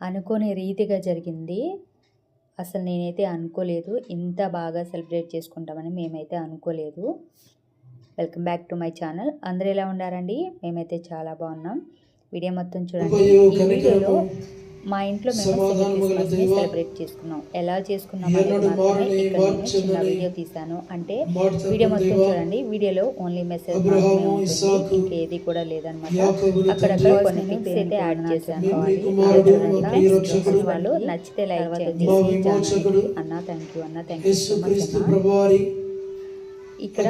అనుకోని రీతిగా జరిగింది. అసలు నేనైతే అనుకోలేదు ఇంత బాగా సెలబ్రేట్ చేసుకుంటామని మేమైతే అనుకోలేదు. Welcome back to my channel. అందరూ ఎలా ఉండారండి? మేమైతే చాలా బాగున్నాం. వీడియో మొత్తం చూడండి. ఈ వీడియోలో మా ఇంట్లో మేము క్రిస్మస్ని సెలబ్రేట్ చేసుకున్నాం. ఎలా చేసుకున్నాం అనేది మాత్రమే ఇక్కడ నేను చిన్న వీడియో తీశాను. అంటే వీడియో మొత్తం చూడండి. వీడియోలో ఓన్లీ మెసేజ్ మాత్రమే ఉంటుంది, ఇంకేది కూడా లేదనమాట. అక్కడక్కడ కొన్ని పిక్స్ అయితే యాడ్ చేశాను. వాళ్ళు నచ్చితే లైక్ చేయండి అన్న. థ్యాంక్ యూ అన్న, థ్యాంక్ యూ సో మచ్ అన్న. ఇక్కడ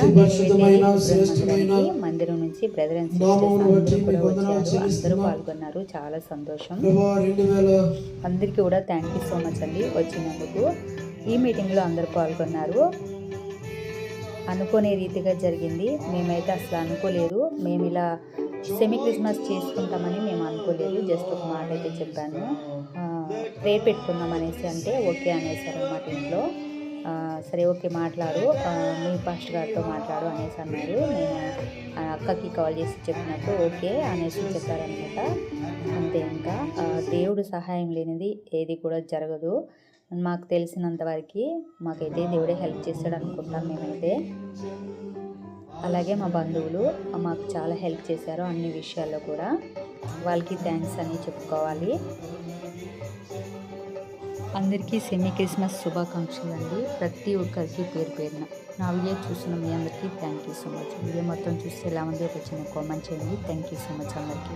మందిరం నుంచి బ్రదర్ అండ్ సిస్టర్స్ అందరూ కూడా వచ్చారు, అందరూ పాల్గొన్నారు. చాలా సంతోషం. అందరికీ కూడా థ్యాంక్ యూ సో మచ్ అండి వచ్చినందుకు. ఈ మీటింగ్లో అందరూ పాల్గొన్నారు. అనుకోనే రీతిగా జరిగింది. మేమైతే అసలు అనుకోలేదు. మేము ఇలా సెమీ క్రిస్మస్ చేసుకుంటామని మేము అనుకోలేదు. జస్ట్ ఒక మాట అయితే చెప్పాను, ప్రేయర్ పెట్టుకుందాం అనేసి. అంటే ఓకే అనేసారు అన్నమాట ఇంట్లో. సరే ఓకే మాట్లాడు, మీ పాస్టర్ గారితో మాట్లాడు అనేసి అన్నారు. నేను అక్కకి కాల్ చేసి చెప్పినప్పుడు ఓకే అనేసి చెప్పారనమాట. అంతే, ఇంకా దేవుడు సహాయం లేనిది ఏది కూడా జరగదు. మాకు తెలిసినంత వరకు మాకైతే దేవుడే హెల్ప్ చేస్తాడు అనుకుంటాం మేమైతే. అలాగే మా బంధువులు మాకు చాలా హెల్ప్ చేశారు అన్ని విషయాల్లో కూడా. వాళ్ళకి థ్యాంక్స్ అని చెప్పుకోవాలి. అందరికీ సెమీ క్రిస్మస్ శుభాకాంక్షలు అండి. ప్రతి ఒక్కరికి పేరు పేరున నా వీడియో చూసిన మీ అందరికీ thank you so much. Video మొత్తం చూస్తే ఎలా ఉంది ఒక చిన్న కామెంట్ చేయండి. థ్యాంక్ యూ సో మచ్ అందరికీ.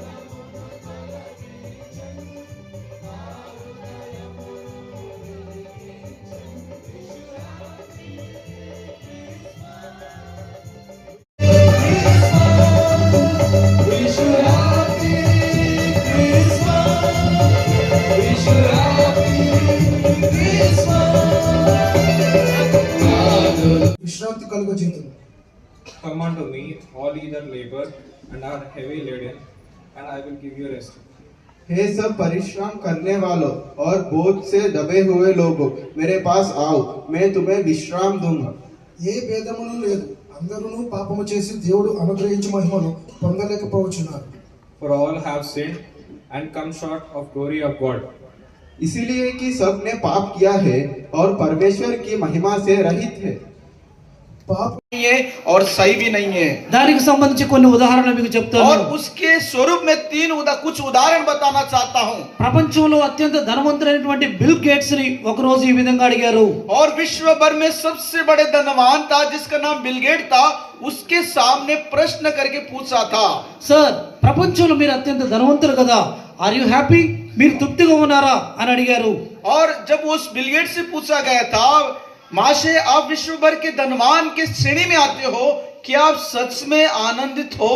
Come unto me, all ye that labor and are heavy laden, and I will give you rest. हे सब परिश्रम करने वालों और बोझ से दबे हुए लोगों, मेरे पास आओ, मैं तुम्हें विश्राम दूंगा. ఏ భేదమును లేదు, అందరూ పాపము చేసి దేవుడు అనుగ్రహించు మహిమను పొందలేకపోవచ్చున్నారు. For all have sinned and come short of glory of God. इसीलिए कि सब ने पाप किया है और परमेश्वर की महिमा से रहित है. పాప नहीं है और सही भी नहीं है. దానికి సంబంధించి కొన్ని ఉదాహరణలు మీకు చెప్తాను. और उसके स्वरूप में कुछ उदाहरण बताना चाहता हूँ. ప్రపంచంలో అత్యంత ధనవంతుడైనటువంటి బిల్ గేట్స్ ని ఒక రోజు ఈ విధంగా అడిగారు. और विश्व भर में सबसे बड़े धनवान था जिसका नाम बिल गेट था, उसके सामने प्रश्न करके पूछा था, సార్ ప్రపంచంలో మీరు అత్యంత ధనవంతులు కదా, ఆర్ యు హ్యాపీ, మీరు తృప్తిగా ఉన్నారా అని అడిగారు. और जब उस बिल गेट से पूछा गया था, माशे आप विश्व भर के धनवान के श्रेणी में आते हो, क्या आप सच में आनंदित हो?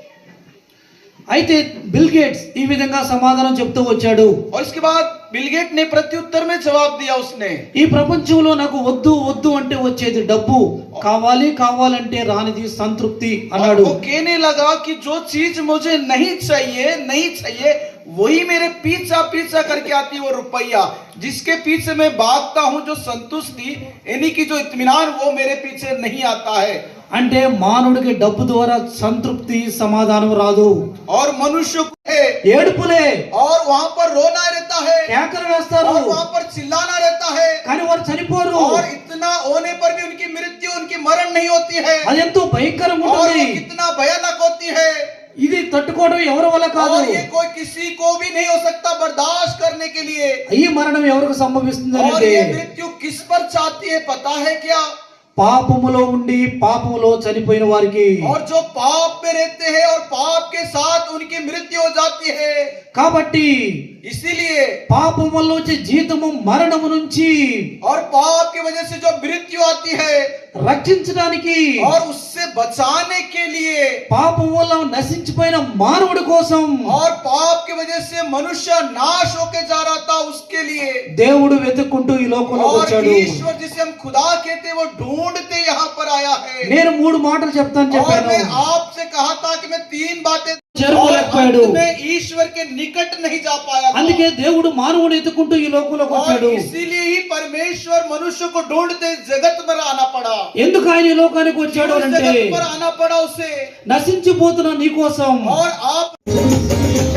అయితే బిల్ గేట్స్ ఈ విధంగా సమాధానం చెప్తూ వచ్చాడు. और इसके बाद बिल गेट ने प्रत्युत्तर में जवाब दिया. उसने ఈ ప్రపంచంలో నాకు వద్దు వద్దు అంటే వచ్చేది డబ్బు, కావాలి కావాలంటే రానిది సంతృప్తి అన్నాడు. वो कहने लगा कि जो चीज मुझे नहीं चाहिए वही मेरे पीछा करके आती है, वो रुपया जिसके पीछे मैं भागता हूँ, जो संतुष्टि यानी कि जो इत्मीनान वो मेरे पीछे नहीं आता है. అంటే మానవుడికి డబ్బు ద్వారా సంతృప్తి సమాధానం రాదు. और मनुष्य को ఏడుపులే, और वहाँ पर रोना रहता है, కేకలు వేస్తారు, और वहाँ पर चिल्लाना रहता है, కానీ వారు చనిపోరు. और इतना होने पर भी उनकी मृत्यु, उनकी मरण नहीं होती है. అది ఎంతో భయంకరంగా और ఉంటుంది. कितना भयानक होती है. ఇది తట్టుకోవడం ఎవరి వల్ల కాదు. और ये कोई किसी को भी नहीं हो सकता बर्दाश्त करने के लिए. ఈ మరణం ఎవరికి సంభవిస్తుంది और అంటే ये मृत्यु किस पर चाहती है पता है क्या? పాపములో ఉండి పాపములో చనిపోయిన వారికి. और जो पाप में रहते हैं और पाप के साथ उनकी मृत्यु हो जाती है. కాబట్టి इसीलिए పాపములో వచ్చే జీతము మరణము నుంచి, और पाप की वजह से जो मृत्यु आती है, రక్షించడానికి और उससे बचाने के लिए, పాపం వల్ల నశించిపోయిన మానవుడి కోసం, और पाप की वजह से मनुष्य नाश होके जा रहा था, उसके लिए దేవుడు వెతుక్కుంటూ ఈ లోకంలోకి और వచ్చాడు. ईश्वर जिसे हम खुदा कहते हैं वो ढूंढते यहाँ पर आया है. నేను 3 మాటలు చెప్తాను और చెప్పాను. मैं आपसे कहा था कि मैं 3 बातें చేరుకోలేకపోయాడు. मैं ईश्वर के निकट नहीं जा पाया था. అందుకే దేవుడు మానవుని ఎత్తుకుంటూ ఈ లోకంలోకి వచ్చాడు. और इसीलिए ही परमेश्वर मनुष्य को ढूंढते जगत पर आना पड़ा. ఎందుకు ఆయన ఈ లోకానికి వచ్చాడు అంటే जगत पर आना पड़ा उसे. నశించిపోతున్న నీ కోసం. और आप